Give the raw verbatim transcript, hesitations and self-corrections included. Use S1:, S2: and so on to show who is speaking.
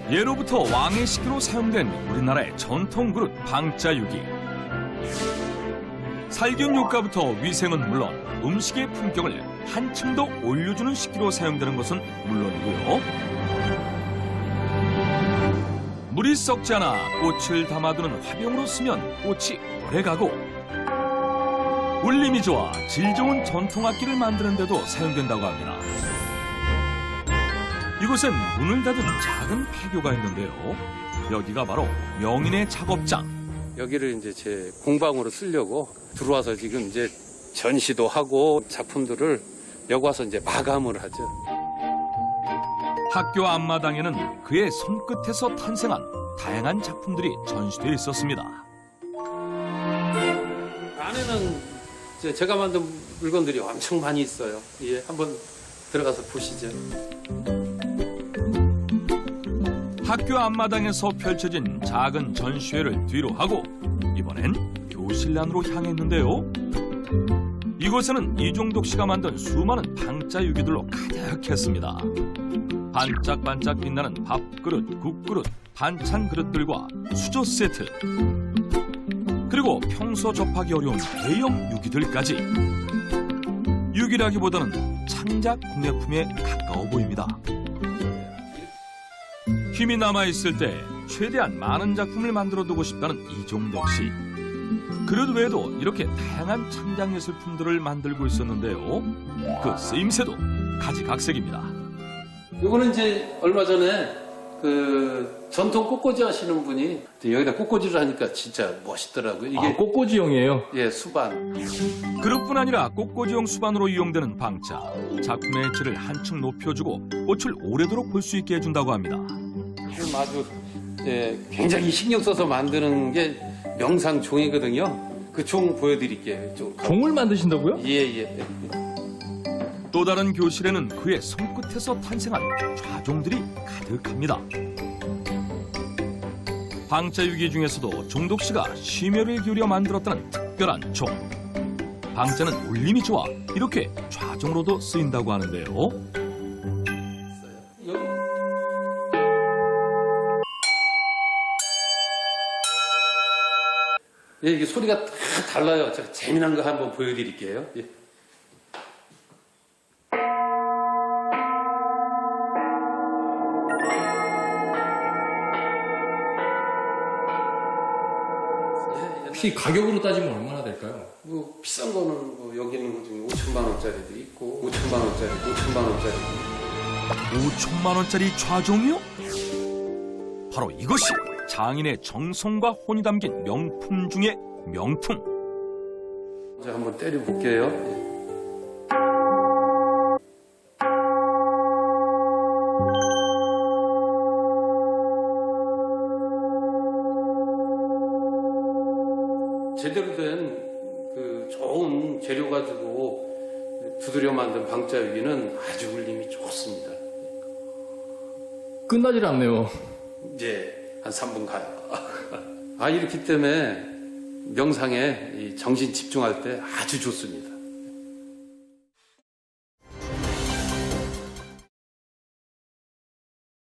S1: 예로부터 왕의 식기로 사용된 우리나라의 전통 그릇 방자유기. 살균 효과부터 위생은 물론 음식의 품격을 한층 더 올려주는 식기로 사용되는 것은 물론이고요. 물이 썩지 않아 꽃을 담아두는 화병으로 쓰면 꽃이 오래가고, 울림이 좋아 질 좋은 전통 악기를 만드는 데도 사용된다고 합니다. 이곳엔 문을 닫은 작은 폐교가 있는데요. 여기가 바로 명인의 작업장.
S2: 여기를 이제 제 공방으로 쓰려고 들어와서 지금 이제 전시도 하고 작품들을 여기 와서 이제 마감을 하죠.
S1: 학교 앞마당에는 그의 손끝에서 탄생한 다양한 작품들이 전시되어 있었습니다.
S2: 안에는 이제 제가 만든 물건들이 엄청 많이 있어요. 예, 한번 들어가서 보시죠.
S1: 학교 앞마당에서 펼쳐진 작은 전시회를 뒤로 하고 이번엔 교실 안으로 향했는데요. 이곳에는 이종덕 씨가 만든 수많은 방자유기들로 가득했습니다. 반짝반짝 빛나는 밥그릇, 국그릇, 반찬 그릇들과 수저 세트, 그리고 평소 접하기 어려운 대형 유기들까지. 유기라기보다는 창작 공예품에 가까워 보입니다. 힘이 남아있을 때 최대한 많은 작품을 만들어두고 싶다는 이종덕 씨. 그릇 외에도 이렇게 다양한 창작 예술품들을 만들고 있었는데요. 그 쓰임새도 가지각색입니다.
S2: 이거는 이제 얼마 전에 그 전통 꽃꽂이 하시는 분이 여기다 꽃꽂이를 하니까 진짜 멋있더라고요. 이게
S3: 아, 꽃꽂이용이에요?
S2: 예, 수반.
S1: 그릇뿐 아니라 꽃꽂이용 수반으로 이용되는 방자. 작품의 질을 한층 높여주고 꽃을 오래도록 볼 수 있게 해준다고 합니다.
S2: 지금 아주 예, 굉장히 신경 써서 만드는 게 명상 종이거든요. 그 종 보여드릴게요. 좀.
S3: 종을 만드신다고요?
S2: 예, 예.
S1: 또 다른 교실에는 그의 손끝에서 탄생한 좌종들이 가득합니다. 방자유기 중에서도 종덕 씨가 심혈을 기울여 만들었다는 특별한 종. 방자는 울림이 좋아 이렇게 좌종으로도 쓰인다고 하는데요.
S2: 예, 이게 소리가 다 달라요. 제가 재미난 거 한번 보여드릴게요. 예.
S3: 혹시 가격으로 따지면 얼마나 될까요?
S2: 뭐 비싼 거는 뭐 여기 있는 것 중에 오천만 원짜리도 있고 오천만 원짜리, 오천만 원짜리.
S1: 오천만 원짜리 좌종이요? 바로 이것이 장인의 정성과 혼이 담긴 명품 중의 명품.
S2: 이제 한번 때려볼게요. 예. 제대로 된 그 좋은 재료 가지고 두드려 만든 방자유기는 아주 울림이 좋습니다.
S3: 끝나질 않네요.
S2: 이제 한 삼 분 가요. 아, 이렇기 때문에 명상에 이 정신 집중할 때 아주 좋습니다.